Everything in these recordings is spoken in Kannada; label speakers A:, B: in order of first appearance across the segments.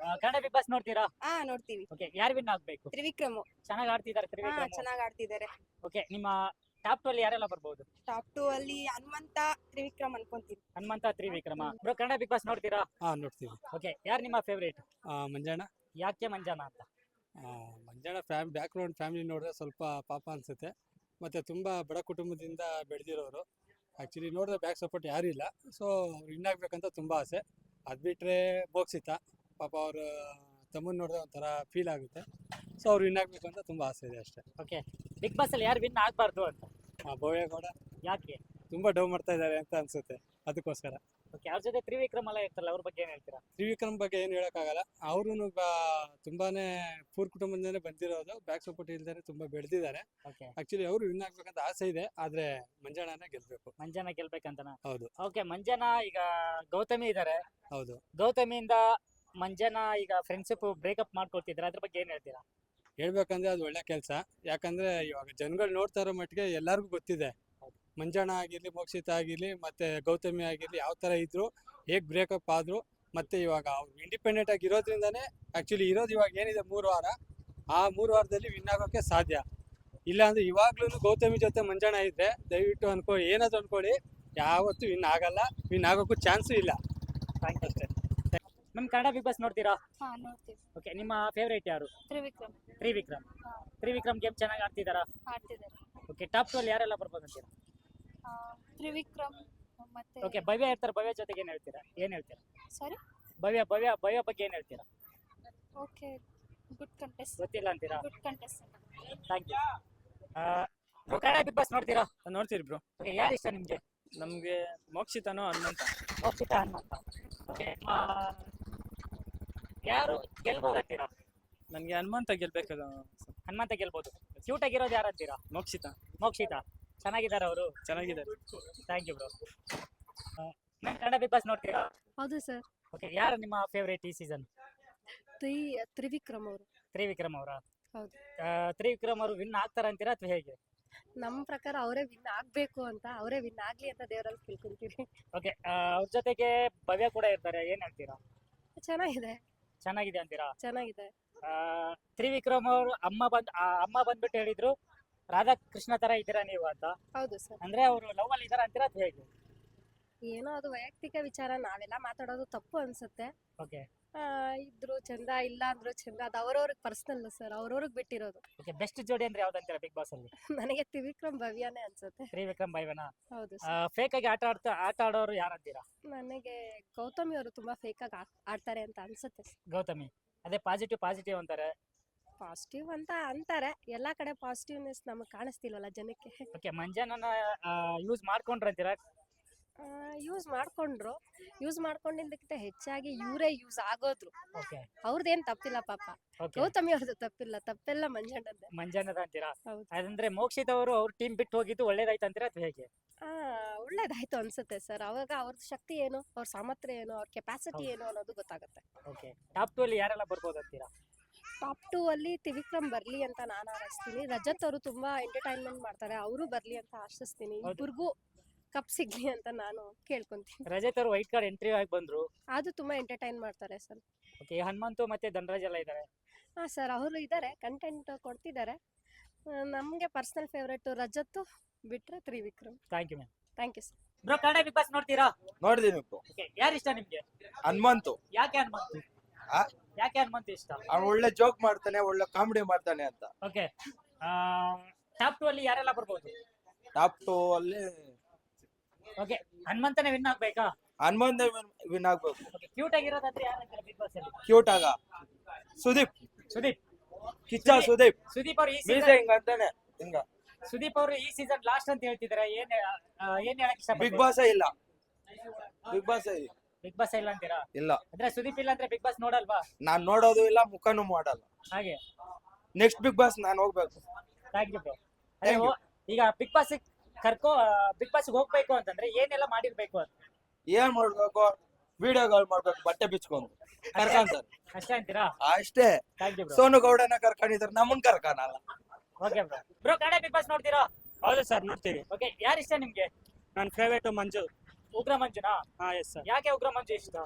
A: ಕನ್ನಡ ಬಿಗ್ ಬಾಸ್ ನೋಡ್ತೀರಾ?
B: ನೋಡ್ತೀವಿ.
A: ಓಕೆ, ಯಾರು ವಿನ್ ಆಗ್ಬೇಕು?
B: ತ್ರಿವಿಕ್ರಮ್
A: ಚೆನ್ನಾಗಿ ಆಡ್ತಿದ್ದಾರೆ ತ್ರಿವಿಕ್ರಮ್.
B: ಚೆನ್ನಾಗಿ ಆಡ್ತಿದ್ದಾರೆ.
A: ಓಕೆ, ನಿಮ್ಮ ಟಾಪ್ 2 ಅಲ್ಲಿ ಯಾರೆಲ್ಲ ಬರ್ಬೋದು?
B: ಟಾಪ್ 2 ಅಲ್ಲಿ ಹನುಮಂತ ತ್ರಿವಿಕ್ರಮ್ ಅನ್ಕೊಂತೀನಿ.
A: Hanumantha Trivikrama. Bro, Kannada Bigg Boss ನೋಡ್ತೀರಾ?
C: ನೋಡ್ತೀವಿ.
A: ಓಕೆ, ಯಾರು ನಿಮ್ಮ ಫೇವರೇಟ್?
C: ಮಂಜಾಣ
A: ಯಾಕೆ ಮಂಜಾನ ಅಂತ?
C: ಮಂಜಾಣ ಬ್ಯಾಕ್ಗ್ರೌಂಡ್ ಫ್ಯಾಮಿಲಿ ನೋಡಿದ್ರೆ ಸ್ವಲ್ಪ ಪಾಪ ಅನ್ಸುತ್ತೆ. ಮತ್ತೆ ತುಂಬಾ ಬಡ ಕುಟುಂಬದಿಂದ ಬೆಳೆದಿರೋರು. ಆಕ್ಚುಲಿ ನೋಡಿದ್ರೆ ಬ್ಯಾಕ್ ಸಪೋರ್ಟ್ ಯಾರು ಇಲ್ಲ. ಸೊ ವಿನ್ ಆಗ್ಬೇಕಂತ ತುಂಬಾ ಆಸೆ. ಅದ್ ಬಿಟ್ರೆ ಮೋಕ್ಷಿತ ಪಾಪ ಅವ್ರ ತಮ್ಮನ್ ನೋಡಿದ್ರೆ ಒಂಥರ ಫೀಲ್ ಆಗುತ್ತೆ. ಸೊ ಅವ್ರು ವಿನ್ ಆಗ್ಬೇಕು ಅಂತ ತುಂಬಾ ಆಸೆ ಇದೆ ಅಷ್ಟೇ.
A: ಓಕೆ, ಬಿಗ್ ಬಾಸ್ ಅಲ್ಲಿ ಯಾರು ವಿನ್ ಆಗ್ಬಾರ್ದು ಅಂತ?
C: ಭವ್ಯಗೌಡ
A: ಯಾಕೆ?
C: ತುಂಬಾ ಡೌ ಮಾಡ್ತಾ ಇದ್ದಾರೆ ಅಂತ ಅನ್ಸುತ್ತೆ, ಅದಕ್ಕೋಸ್ಕರ.
A: ಓಕೆ, ಅವ್ರ ಜೊತೆ ತ್ರಿವಿಕ್ರಮ್ ಎಲ್ಲ ಇರ್ತಾರಲ್ಲ, ಅವ್ರ ಬಗ್ಗೆ ಏನ್ ಹೇಳ್ತೀರಾ?
C: ತ್ರಿವಿಕ್ರಮ್ ಬಗ್ಗೆ ಏನು ಹೇಳೋಕ್ಕಾಗಲ್ಲ. ಅವರು ತುಂಬಾನೇ ಪೂರ್ ಕುಟುಂಬದಿಂದನೇ ಬಂದಿರೋದು. ಬ್ಯಾಕ್ ಸಪೋರ್ಟ್ ಇಲ್ದೇ ತುಂಬಾ ಬೆಳೆದಿದ್ದಾರೆ.
A: ಓಕೆ,
C: ಆಕ್ಚುಲಿ ಅವರು ವಿನ್ ಆಗ್ಬೇಕಂತ ಆಸೆ ಇದೆ, ಆದ್ರೆ ಮಂಜಾಣನೇ ಗೆಲ್ಬೇಕು.
A: ಮಂಜಾನ ಗೆಲ್ಬೇಕಂತನಾ?
C: ಹೌದು
A: ಓಕೆ, ಮಂಜಾನ ಈಗ ಗೌತಮಿ ಇದಾರೆ.
C: ಹೌದು.
A: ಗೌತಮಿಯಿಂದ ಮಂಜಾನ ಈಗ ಫ್ರೆಂಡ್ಶಿಪ್ ಬ್ರೇಕಪ್ ಮಾಡ್ಕೊಳ್ತಿದ್ದಾರೆ, ಅದ್ರ ಬಗ್ಗೆ ಏನ್ ಹೇಳ್ತೀರಾ?
C: ಹೇಳ್ಬೇಕಂದ್ರೆ ಅದು ಒಳ್ಳೆ ಕೆಲಸ. ಯಾಕಂದ್ರೆ ಇವಾಗ ಜನಗಳು ನೋಡ್ತಾ ಇರೋ ಮಟ್ಟಿಗೆ ಎಲ್ಲರಿಗೂ ಗೊತ್ತಿದೆ, ಮಂಜಾಣ ಆಗಿರ್ಲಿ, ಮೋಕ್ಷಿತ ಆಗಿರ್ಲಿ, ಮತ್ತೆ ಗೌತಮಿ ಆಗಿರ್ಲಿ, ಯಾವ ತರ ಇದ್ರು, ಹೇಗ್ ಬ್ರೇಕಪ್ ಆದ್ರು. ಮತ್ತೆ ಇವಾಗ ಅವ್ರು ಇಂಡಿಪೆಂಡೆಂಟ್ ಆಗಿ ಇರೋದ್ರಿಂದಾನೇ ಆಕ್ಚುಲಿ ಇರೋದು ಇವಾಗ ಏನಿದೆ 3 ವಾರ. ಆ 3 ವಾರದಲ್ಲಿ ವಿನ್ ಆಗೋಕೆ ಸಾಧ್ಯ. ಇಲ್ಲ ಅಂದ್ರೆ ಇವಾಗ್ಲೂ ಗೌತಮಿ ಜೊತೆ ಮಂಜಾಣ ಇದ್ರೆ ದಯವಿಟ್ಟು ಅನ್ಕೊಳ್ಳಿ, ಏನಾದ್ರು ಅನ್ಕೊಳ್ಳಿ, ಯಾವತ್ತೂ ವಿನ್ ಆಗಲ್ಲ, ವಿನ್ ಆಗೋಕ್ಕೂ ಚಾನ್ಸು ಇಲ್ಲ.
A: ಥ್ಯಾಂಕ್ ಯು ಅಷ್ಟೇ. ನಮ್ ಕನ್ನಡ ಬಿಗ್ ಬಾಸ್ ನೋಡ್ತೀರಾ?
B: ನೋಡ್ತೀವಿ.
A: ಓಕೆ, ನಿಮ್ಮ ಫೇವರೇಟ್ ಯಾರು?
B: ತ್ರಿವಿಕ್ರಮ್
A: ತ್ರಿವಿಕ್ರಮ್. ತ್ರಿವಿಕ್ರಮ್ ಗೇಮ್ ಚೆನ್ನಾಗಿ ಆಡ್ತಿದಾರಾ?
B: ಆಡ್ತಿದ್ದಾರೆ.
A: ಓಕೆ, ಟಾಪ್ 2 ಅಲ್ಲಿ ಯಾರೆಲ್ಲ ಬರ್ಬೋದು ಅಂತೀರಾ?
B: ತ್ರಿವಿಕ್ರಮ್ ಮತ್ತೆ
A: ಓಕೆ, ಭವ್ಯ ಇರ್ತಾರೆ. ಭವ್ಯ ಜೊತೆಗೆ ಏನ್ ಹೇಳ್ತೀರಾ?
B: ಸಾರಿ
A: ಭವ್ಯ ಬಗ್ಗೆ ಏನ್ ಹೇಳ್ತೀರಾ?
B: Okay, good contest.
A: ಗೊತ್ತಿಲ್ಲ ಅಂತೀರಾ?
B: Good contest.
A: Thank you. Kannada Bigg Boss ನೋಡ್ತೀರಾ?
C: ನೋಡ್ತೀರಿ ಬ್ರೋ.
A: ಓಕೆ, ಯಾರು ಇಷ್ಟ ನಿಮ್ಗೆ?
C: ನಮ್ಗೆ ಮೋಕ್ಷಿತನೋ ಹನುಮಂತ.
A: ಮೋಕ್ಷಿತ ಹನುಮಂತ. ಓಕೆ, ಯಾರು ಗೆಲ್ಬೋದು ಅಂತೀರಾ?
C: ನನ್ಗೆ ಹನುಮಂತ ಗೆಲ್ಬೇಕಲ್ಲ.
A: ಹನುಮಂತ ಗೆಲ್ಬೋದು. ಕ್ಯೂಟ್ ಆಗಿರೋದು ಯಾರು ಅಂತೀರಾ?
C: ಮೋಕ್ಷಿತ
A: ಮೋಕ್ಷಿತ. ಚೆನ್ನಾಗಿದ್ದಾರೆ ಅವರು.
C: ಚೆನ್ನಾಗಿದ್ದಾರೆ.
A: Thank you bro. Kannada Bigg Boss ನೋಡ್ತೀರಾ?
B: ಹೌದು ಸರ್.
A: ಓಕೆ, ಯಾರು ನಿಮ್ಮ ಫೇವರೇಟ್ ಈ ಸೀಸನ್?
B: ತ್ರಿವಿಕ್ರಮ್ ಅವರು.
A: ತ್ರಿವಿಕ್ರಮ್ ಅವರ?
B: ಹೌದು.
A: ತ್ರಿವಿಕ್ರಮ್ ಅವರು ವಿನ್ ಆಗ್ತಾರ ಅಂತೀರಾ ಅಥವಾ ಹೇಗೆ?
B: ನಮ್ಮ ಪ್ರಕಾರ ಅವರೇ ವಿನ್ ಆಗ್ಬೇಕು ಅಂತ, ಅವರೇ ವಿನ್ ಆಗ್ಲಿ ಅಂತ ದೇವರಲ್ಲಿ ಕೇಳ್ಕೊಂತೀವಿ.
A: ಓಕೆ, ಅವ್ರ ಜೊತೆಗೆ ಭವ್ಯ ಕೂಡ ಇರ್ತಾರೆ, ಏನ್ ಹೇಳ್ತೀರಾ?
B: ಚೆನ್ನಾಗಿದೆ
A: ಅಂತೀರಾ?
B: ಚೆನ್ನಾಗಿದೆ.
A: ತ್ರಿವಿಕ್ರಮ್ ಅವರು ಅಮ್ಮ ಬಂದ್ಬಿಟ್ಟು ಹೇಳಿದ್ರು ರಾಧಾಕೃಷ್ಣ ತರ ಇದ್ದೀರಾ ನೀವು ಅಂತ.
B: ಹೌದು ಸರ್.
A: ಅಂದ್ರೆ ಅವರು ಲವ್ ಅಲ್ಲಿ ಇದಾರ ಅಂತೀರಾ ಅಥವಾ ಹೇಗೆ?
B: ಏನೋ ಅದು ವೈಯಕ್ತಿಕ ವಿಚಾರ, ನಾವೆಲ್ಲ ಮಾತಾಡೋದು ತಪ್ಪು ಅನ್ಸುತ್ತೆ.
A: ಓಕೆ.
B: ಇದ್ರು ಚಂದ, ಇಲ್ಲ ಅಂದ್ರು ಚಂದ, ಅದು ಅವ್ರವ್ರಿಗೆ ಪರ್ಸನಲ್ ಸರ್, ಅವ್ರವ್ರಿಗೆ ಬಿಟ್ಟಿರೋದು.
A: ಓಕೆ, ಬೆಸ್ಟ್ ಜೋಡಿ ಅಂದ್ರೆ ಯಾವ್ದಂತೀರಾ ಬಿಗ್ ಬಾಸ್ ಅಲ್ಲಿ?
B: ನನಗೆ ತ್ರಿವಿಕ್ರಮ್ ಭವ್ಯನೇ ಅನ್ಸುತ್ತೆ.
A: ತ್ರಿವಿಕ್ರಮ್ ಭವ್ಯನಾ?
B: ಹೌದು ಸರ್.
A: ಫೇಕ್ ಆಗಿ ಆಟ ಆಡೋರು ಯಾರಂತೀರಾ?
B: ನನಗೆ ಗೌತಮಿ ಅವರು ತುಂಬಾ ಫೇಕ್ ಆಗಿ ಆಡ್ತಾರೆ ಅಂತ ಅನ್ಸುತ್ತೆ.
A: ಗೌತಮಿ ಅದೇ ಪಾಸಿಟಿವ್ ಅಂತಾರೆ.
B: ಪಾಸಿಟಿವ್ ಅಂತ ಅಂತಾರೆ, ಎಲ್ಲಾ ಕಡೆ ಪಾಸಿಟಿವ್ನೆಸ್ ನಮಗೆ ಕಾಣಿಸ್ತಿಲ್ವಲ್ಲ ಜನಕ್ಕೆ.
A: ಓಕೆ, ಮಂಜಾನನ ಯೂಸ್ ಮಾಡ್ಕೊಂಡ್ರಂತೀರಾ?
B: ಯೂಸ್ ಮಾಡ್ಕೊಂಡಿದ್ದಕ್ಕಿಂತ ಹೆಚ್ಚಾಗಿ ಇವರೇ ಯೂಸ್ ಆಗೋದ್ರು.
A: ಓಕೆ,
B: ಅವ್ರದ್ದೇನ್ ತಪ್ಪಿಲ್ಲ ಪಾಪ. ಗೌತಮಿ ಅವ್ರದ್ದು ತಪ್ಪೆಲ್ಲ
A: ಮಂಜಾನದ ಅಂತೀರಾ?
B: ಹೌದು.
A: ಅದಂದ್ರೆ ಮೋಕ್ಷಿತ ಅವರು ಅವ್ರ ಟೀಮ್ ಬಿಟ್ಟು ಹೋಗಿದ್ದು ಒಳ್ಳೇದಾಯ್ತು ಅಂತೀರಾ ಅಥವಾ ಹೇಗೆ?
B: ಒಳ್ಳೇದಾಯ್ತು ಅನ್ಸುತ್ತೆ ಸರ್. ಅವಾಗ ಅವ್ರದ್ದು ಶಕ್ತಿ ಏನು, ಅವ್ರ ಸಾಮರ್ಥ್ಯ ಏನು, ಅವ್ರ ಕೆಪಾಸಿಟಿ ಏನು ಅನ್ನೋದು ಗೊತ್ತಾಗುತ್ತೆ.
A: ಓಕೆ, ಟಾಪ್ 2 ಅಲ್ಲಿ ಯಾರೆಲ್ಲ ಬರ್ಬೋದು ಅಂತೀರಾ?
B: ಟಾಪ್ 2 ಅಲ್ಲಿ ತ್ರಿವಿಕ್ರಮ್ ಬರ್ಲಿ ಅಂತ ನಾನು ಆಶಿಸ್ತೀನಿ. ರಜತ್ ಅವರು ತುಂಬಾ ಎಂಟರ್ಟೈನ್ಮೆಂಟ್ ಮಾಡ್ತಾರೆ, ಅವರು ಬರ್ಲಿ ಅಂತ ಆಶಿಸ್ತೀನಿ. ಇಬ್ಬರಿಗೂ ಕಪ್ ಸಿಗ್ಲಿ ಅಂತ ನಾನು ಕೇಳ್ಕೊಂತೀನಿ.
A: ರಜತ್ ಅವರು ವೈಟ್ ಕಾರ್ಡ್ ಎಂಟ್ರಿ ಆಗಿ ಬಂದ್ರು,
B: ಅದು ತುಂಬಾ ಎಂಟರ್ಟೈನ್ ಮಾಡ್ತಾರೆ ಸರ್.
A: ಓಕೆ, ಹನುಮಂತು ಮತ್ತೆ ಧನರಾಜ್ ಎಲ್ಲ ಇದ್ದಾರೆ.
B: ಸರ್, ಅವರು ಇದ್ದಾರೆ, ಕಂಟೆಂಟ್ ಕೊಡ್ತಿದ್ದಾರೆ. ನಮಗೆ ಪರ್ಸನಲ್ ಫೇವರೇಟ್ ರಜತ್ ಬಿಟ್ರೆ Trivikram.
A: Thank you ma'am.
B: Thank you sir.
A: Bro, Kannada Bigg Boss ನೋಡ್ತೀರಾ?
D: ನೋಡಿದೀನಿ.
A: ಓಕೆ, ಯಾರು ಇಷ್ಟ ನಿಮ್ಗೆ?
D: ಹನುಮಂತು.
A: ಯಾಕೆ ಹನುಮಂತು? ಯಾಕೆ ಹನುಮಂತು ಇಷ್ಟ?
D: ಅವ್ನು ಒಳ್ಳೆ ಜೋಕ್ ಮಾಡ್ತಾನೆ, ಒಳ್ಳೆ ಕಾಮಿಡಿ ಮಾಡ್ತಾನೆ ಅಂತ.
A: ಓಕೆ, ಟಾಪ್ 2 ಅಲ್ಲಿ ಯಾರೆಲ್ಲ ಬರ್ಬೋದು?
D: ಟಾಪ್ 2 ಅಲ್ಲಿ
A: ಓಕೆ, ಹನುಮಂತನೇ ವಿನ್ ಆಗ್ಬೇಕಾ?
D: ಹನುಮಂತ ವಿನ್ ಆಗ್ಬೇಕು.
A: ಓಕೆ, ಕ್ಯೂಟ್ ಆಗಿರೋದಾದ್ರೆ ಯಾರು ಅಂತೀರಾ ಬಿಗ್ ಬಾಸ್ ಅಲ್ಲಿ?
D: ಕ್ಯೂಟ್ ಆಗ ಸುದೀಪ್ ಕಿಚ್ಚ ಸುದೀಪ್
A: ಅವರು ಈ
D: ಮೀಸೆ
A: ಸೀಸನ್
D: ಹಿಂಗ ಅಂತಾನೆ ಹಿಂಗ.
A: ಸುದೀಪ್ ಅವರು ಈ ಸೀಸನ್ ಲಾಸ್ಟ್ ಅಂತ ಹೇಳ್ತಿದ್ದಾರೆ, ಏನ್ ಹೇಳಕ್ ಇಷ್ಟ?
D: ಬಿಗ್ ಬಾಸ್ ಇಲ್ಲ, ಬಿಗ್ ಬಾಸ್
A: ಇಲ್ಲ ಅಂತೀರಾ?
D: ಇಲ್ಲ.
A: ಅಂದ್ರೆ ಸುದೀಪ್ ಇಲ್ಲ ಅಂದ್ರೆ ಬಿಗ್ ಬಾಸ್ ನೋಡಲ್ವಾ?
D: ನಾನ್ ನೋಡೋದು ಇಲ್ಲ, ಮುಖನೂ ಮಾಡಲ್ಲ.
A: ಹಾಗೆ
D: ನೆಕ್ಸ್ಟ್ ಬಿಗ್ ಬಾಸ್ ನಾನ್ ಹೋಗ್ಬೇಕು.
A: Thank you bro.
D: Thank you.
A: ಈಗ ಬಿಗ್ ಬಾಸ್ ಬಿಗ್ ಬಾಸ್ ಹೋಗ್ಬೇಕು ಅಂತಂದ್ರೆ ಏನೆಲ್ಲ ಮಾಡಿರ್ಬೇಕು ಅಂತ?
D: ಏನ್ ಮಾಡ್ಬೇಕು? ವಿಡಿಯೋಗಳು ಮಾಡ್ಬೇಕು, ಬಟ್ಟೆ ಬಿಚ್ಕೊಂಡು ಕರ್ಕೊಂತಾರೆ
A: ಅಷ್ಟೇ ಅಂತೀರಾ?
D: ಅಷ್ಟೇ.
A: Thank you bro.
D: ಸೋನು ಗೌಡನ ಕರ್ಕೊಂಡಿದ್ರು, ನಮ್ಮನ್ ಕರ್ಕನಲ್ಲ.
A: Okay bro, Kannada Bigg Boss ನೋಡ್ತೀರಾ?
C: ಹೌದು ಸರ್, ನೋಡ್ತೀವಿ.
A: ಓಕೆ, ಯಾರು ಇಷ್ಟ ನಿಮ್ಗೆ?
C: ನನ್ನ ಫೇವರೇಟ್ ಮಂಜು.
A: ಉಗ್ರ ಮಂಜುನಾ?
C: Yes sir.
A: ಯಾಕೆ ಉಗ್ರ ಮಂಜು ಇಷ್ಟ?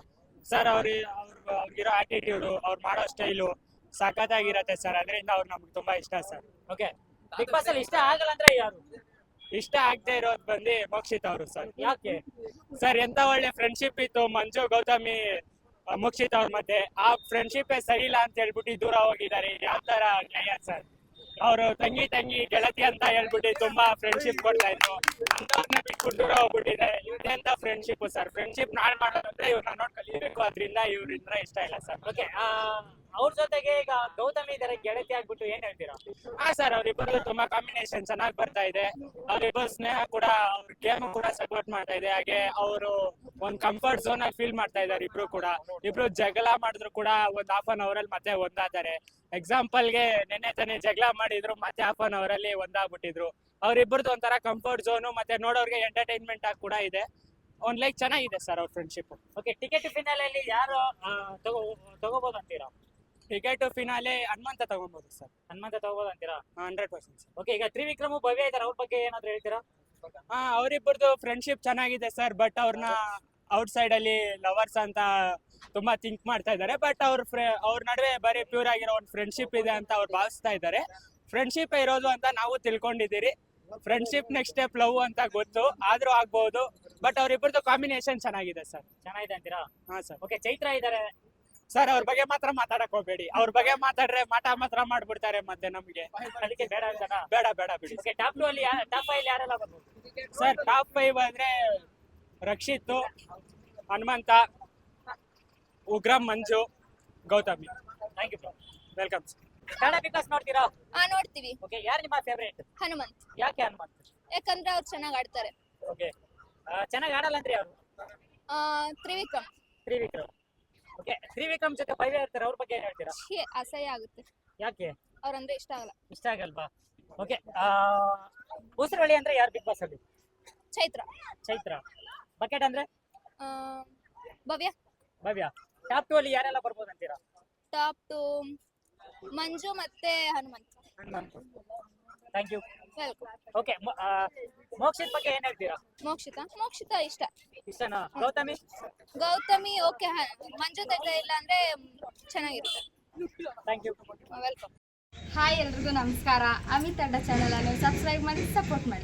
E: ಸರ್ ಅವ್ರಿಗಿರೋ ಆಟಿಟ್ಯೂಡು ಅವ್ರು ಮಾಡೋ ಸ್ಟೈಲು ಸಖತ್ತಾಗಿರತ್ತೆ ಸರ್. ಅದರಿಂದ ಅವ್ರು ನಮ್ಗೆ ತುಂಬಾ ಇಷ್ಟ ಸರ್.
A: ಓಕೆ, ಬಿಗ್ ಬಾಸ್ ಅಲ್ಲಿ ಇಷ್ಟ ಆಗಲ್ಲ ಅಂದ್ರೆ ಯಾರು?
E: ಇಷ್ಟ ಆಗದೆ ಇರೋದು ಬಂದು ಮೋಕ್ಷಿತ್ ಅವರು ಸರ್.
A: ಯಾಕೆ?
E: ಸರ್ ಎಂತ ಒಳ್ಳೆ ಫ್ರೆಂಡ್ಶಿಪ್ ಇತ್ತು ಮಂಜು ಗೌತಮಿ ಮೋಕ್ಷಿತ್ ಅವ್ರ ಮಧ್ಯೆ. ಆ ಫ್ರೆಂಡ್ಶಿಪ್ ಸರಿ ಇಲ್ಲ ಅಂತ ಹೇಳ್ಬಿಟ್ಟು ದೂರ ಹೋಗಿದ್ದಾರೆ. ಯಾವ ತರ ನ್ಯಾಯ ಸರ್? ಅವರು ತಂಗಿ ಗೆಳತಿ ಅಂತ ಹೇಳ್ಬಿಟ್ಟು ತುಂಬಾ ಫ್ರೆಂಡ್ಶಿಪ್ ಕೊಡ್ತಾ ಇದ್ರು, ಅಂತವ್ರನ್ನ ಬಿಟ್ಬಿಟ್ಟು ದೂರ ಹೋಗ್ಬಿಟ್ಟಿದ್ದಾರೆ. ಇವ್ರದೆಂತ ಫ್ರೆಂಡ್ಶಿಪ್ ಸರ್? ಫ್ರೆಂಡ್ಶಿಪ್ ನಾಳೆ ಮಾಡೋದಂದ್ರೆ ಇವ್ರನ್ನ ನೋಡ್ ಕಲಿಬೇಕು, ಅದ್ರಿಂದ ಇವ್ರಿಂದ ಇಷ್ಟ ಇಲ್ಲ ಸರ್.
A: ಓಕೆ, ಅವ್ರ ಜೊತೆಗೆ ಈಗ ಗೌತಮಿ ಇದಾರೆ, ಗೆಳತಿ ಆಗ್ಬಿಟ್ಟು ಏನ್ ಹೇಳ್ತೀರಾ?
E: ಹಾ ಸರ್, ಅವ್ರಿಬ್ಬರು ತುಂಬಾ ಕಾಂಬಿನೇಷನ್ ಚೆನ್ನಾಗಿ ಬರ್ತಾ ಇದೆ. ಅವ್ರಿಬ್ಬರು ಸ್ನೇಹ ಕೂಡ, ಅವ್ರ ಗೇಮ್ ಕೂಡ ಸಪೋರ್ಟ್ ಮಾಡ್ತಾ ಇದೆ. ಹಾಗೆ ಅವರು ಒಂದ್ ಕಂಫರ್ಟ್ ಝೋನ್ ಅಲ್ಲಿ ಫೀಲ್ ಮಾಡ್ತಾ ಇದಾರೆ ಇಬ್ರು ಕೂಡ. ಇಬ್ರು ಜಗಳ ಮಾಡಿದ್ರು ಕೂಡ ಒಂದ್ ಹಾಫ್ ಅನ್ ಅವರ್ ಅಲ್ಲಿ ಮತ್ತೆ ಒಂದಾದರೆ. ಎಕ್ಸಾಂಪಲ್ ಗೆ ನೆನ್ನೆ ತಾನೇ ಜಗಳ ಮಾಡಿದ್ರು, ಮತ್ತೆ ಹಾಫ್ ಅನ್ ಅವರ್ ಅಲ್ಲಿ ಒಂದಾಗ್ಬಿಟ್ಟಿದ್ರು. ಅವ್ರಿಬ್ಬರದು ಒಂಥರ ಕಂಫರ್ಟ್ ಝೋನು, ಮತ್ತೆ ನೋಡೋರ್ಗೆ ಎಂಟರ್ಟೈನ್ಮೆಂಟ್ ಆಗಿ ಕೂಡ ಇದೆ. ಒಂದ್ ಲೈಕ್ ಚೆನ್ನಾಗಿದೆ ಸರ್ ಅವ್ರ ಫ್ರೆಂಡ್ಶಿಪ್.
A: ಓಕೆ, ಟಿಕೆಟ್ ಫಿನಾಲೆಯಲ್ಲಿ ಯಾರು ತಗೋಬಹುದು ಅಂತೀರಾ?
E: ಟಿಕೆಟ್ ಫಿನಾಲೆ ಹನುಮಂತ ತಗೊಬಹುದು ಸರ್.
A: ಹನುಮಂತ ತಗೋಬಹುದು ಅಂತೀರಾ?
E: 100% ಸರ್.
A: ಓಕೆ, ಈಗ ತ್ರಿವಿಕ್ರಮ್ ಭವ್ಯ ಇದಾರೆ, ಅವ್ರ ಬಗ್ಗೆ ಏನಾದ್ರು ಹೇಳ್ತೀರಾ?
E: ಅವರಿಬ್ಬರದು ಫ್ರೆಂಡ್ಶಿಪ್ ಚೆನ್ನಾಗಿದೆ ಸರ್. ಬಟ್ ಅವ್ರನ್ನ ಔಟ್ ಸೈಡ್ ಅಲ್ಲಿ ಲವರ್ಸ್ ಅಂತ ತುಂಬಾ ಥಿಂಕ್ ಮಾಡ್ತಾ ಇದ್ದಾರೆ. ಬಟ್ ಅವ್ರ ನಡುವೆ ಬರೀ ಪ್ಯೂರ್ ಆಗಿರೋ ಒಂದು ಫ್ರೆಂಡ್ಶಿಪ್ ಇದೆ ಅಂತ ಅವ್ರು ಭಾವಿಸ್ತಾ ಇದ್ದಾರೆ. ಫ್ರೆಂಡ್ಶಿಪ್ ಇರೋದು ಅಂತ ನಾವು ತಿಳ್ಕೊಂಡಿದ್ದೀರಿ. ಫ್ರೆಂಡ್ಶಿಪ್ ನೆಕ್ಸ್ಟ್ ಸ್ಟೆಪ್ ಲವ್ ಅಂತ ಗೊತ್ತು, ಆದ್ರೂ ಆಗ್ಬಹುದು. ಬಟ್ ಅವ್ರಿಬ್ಬರದು ಕಾಂಬಿನೇಷನ್ ಚೆನ್ನಾಗಿದೆ ಸರ್.
A: ಚೆನ್ನಾಗಿದೆ ಅಂತೀರಾ?
E: ಹಾ ಸರ್.
A: ಓಕೆ, ಚೈತ್ರ ಇದಾರೆ
E: ಸರ್, ಅವ್ರ ಬಗ್ಗೆ ಮಾತ್ರ ಮಾತಾಡಕ್ ಹೋಗ್ಬೇಡಿ. ಅವ್ರ ಬಗ್ಗೆ ಮಾತಾಡ್ರೆ ಮಾತ್ರ ಮಾಡ್ಬಿಡ್ತಾರೆ ಮತ್ತೆ ನಮ್ಗೆ.
A: ಅದಕ್ಕೆ ಬೇಡ ಅಂತನಾ?
E: ಬೇಡ ಬಿಡಿ.
A: ಓಕೆ, ಟಾಪ್ 2 ಅಲ್ಲಿ ಟಾಪ್ 5 ಯಾರೆಲ್ಲ ಬರ್ಬೋದು?
E: ಸರ್, ಟಾಪ್ 5 ಅಂದ್ರೆ Rakshith, Hanumantha, Ugram Manju, Gowthami.
A: Thank you bro.
E: Welcome sir.
A: Kannada Bigg Boss ನೋಡ್ತೀರಾ?
F: ನೋಡ್ತೀವಿ.
A: ಓಕೆ, ಯಾರು ನಿಮ್ಮ ಫೇವರೇಟ್?
F: ಹನುಮಂತ್.
A: ಯಾಕೆ ಹನುಮಂತ್?
F: ಯಾಕಂದ್ರೆ ಅವ್ರು ಚೆನ್ನಾಗಿ ಆಡ್ತಾರೆ.
A: ಓಕೆ, ಚೆನ್ನಾಗಿ ಆಡಲ್ಲ ಅಂದ್ರೆ ಯಾರು?
F: ತ್ರಿವಿಕ್ರಮ್.
A: ತ್ರಿವಿಕ್ರಮ್. ಓಕೆ, ತ್ರಿವಿಕ್ರಮ್ ಜೊತೆ ಭವ್ಯ ಇರ್ತಾರೆ, ಅವ್ರ ಬಗ್ಗೆ ಏನ್ ಹೇಳ್ತೀರಾ?
F: ಅಸಹ್ಯ ಆಗುತ್ತೆ.
A: ಯಾಕೆ?
F: ಅವ್ರಂದ್ರೆ ಇಷ್ಟ ಆಗಲ್ಲ.
A: ಇಷ್ಟ ಆಗಲ್ವಾ? ಓಕೆ, ಉಸಿರಳ್ಳಿ ಅಂದ್ರೆ ಯಾರು ಬಿಗ್ ಬಾಸ್ ಅಲ್ಲಿ?
F: ಚೈತ್ರ.
A: ಚೈತ್ರ. ಬಕೆಟ್ ಅಂದ್ರೆ
F: ಆ, ಭವ್ಯ.
A: ಭವ್ಯ. ಟಾಪ್ 2 ಅಲ್ಲಿ ಯಾರೆಲ್ಲ ಬರ್ಬೋದು ಅಂತೀರಾ?
F: ಟಾಪ್ 2 ಮಂಜು ಮತ್ತೆ Hanumanth.
A: Hanumanth. Thank you.
F: Welcome.
A: Okay, Mokshith ಬಗ್ಗೆ ಏನ್ ಹೇಳ್ತೀರಾ?
F: ಮೋಕ್ಷಿತ ಇಷ್ಟ.
A: ಇಷ್ಟನಾ? ಗೌತಮಿ?
F: ಗೌತಮಿ ಓಕೆ. ಮಂಜು ಜೊತೆ ಇಲ್ಲ ಅಂದ್ರೆ ಚೆನ್ನಾಗಿರುತ್ತೆ.
A: Thank you.
F: ವೆಲ್ಕಮ್.
G: ಹಾಯ್ ಎಲ್ರಿಗೂ ನಮಸ್ಕಾರ. ಅಮಿತ್ ಅಡ್ಡ ಚಾನಲ್ ಅನ್ನು ಸಬ್ಸ್ಕ್ರೈಬ್ ಮಾಡಿ ಸಪೋರ್ಟ್ ಮಾಡಿ.